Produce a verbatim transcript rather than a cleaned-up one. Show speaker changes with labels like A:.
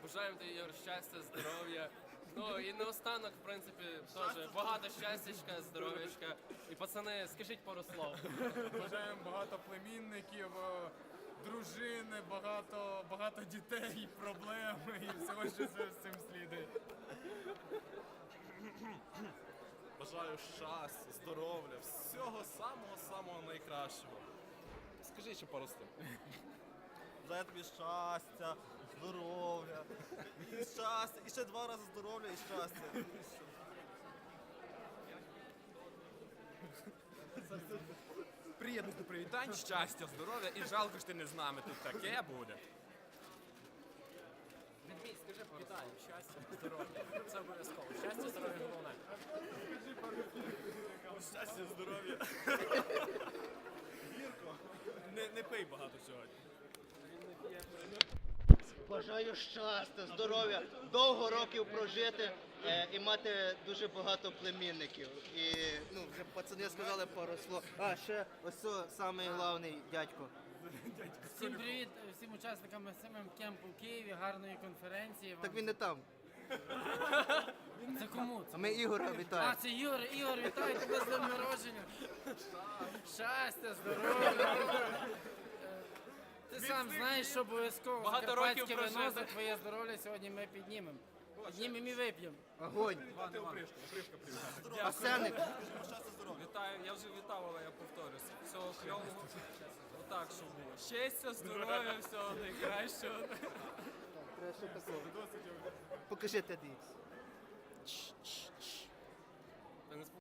A: Бажаємо тобі, Ігор, щастя, здоров'я. Ну і наостанок, в принципі, теж багато щастячка, здоров'ячка. І пацани, скажіть пару слов.
B: Бажаємо багато племінників, е, дружини, багато, багато дітей, проблем і всього, що з цим слідує.
C: Бажаю щастя, здоров'я, всього самого-самого найкращого. Скажи ще пару слів.
D: Бажаю тобі щастя, здоров'я, і щастя, і ще два рази здоров'я і щастя.
E: Приєднусь до привітань, щастя, здоров'я і жалко, що ти не з нами. Тут таке буде.
A: Відмій, скажи пару слов. Щастя, здоров'я. Це обов'язково. Щастя, здоров'я, головне.
C: Щастя, здоров'я. Гірко. Не, не пий багато сьогодні.
D: Бажаю щастя, здоров'я, довго років прожити е, і мати дуже багато племінників. І ну, вже пацани сказали пару слов. А, ще ось це самий головний дядько.
F: Всім привіт всім учасникам СММ кемпу в Києві, гарної конференції.
D: Так він не там.
F: Це кому?
D: А ми Ігора
F: А,
D: вітаємо.
F: це Ігор, Ігор, вітаю тебе з днем народження. Щастя, здоров'я. Ти сам знаєш, що обов'язково
A: Багато
F: закарпатське
A: років
F: вино
A: прожити.
F: за твоє здоров'я сьогодні ми піднімемо. Піднімемо і вип'ємо.
D: Огонь. Арсеник.
A: Вітаю, я вже вітав, але я повторюся. Всього кльового. Отак, щоб було. Щастя, здоров'я, всього найкращого.
D: Покажи Т Д Ікс.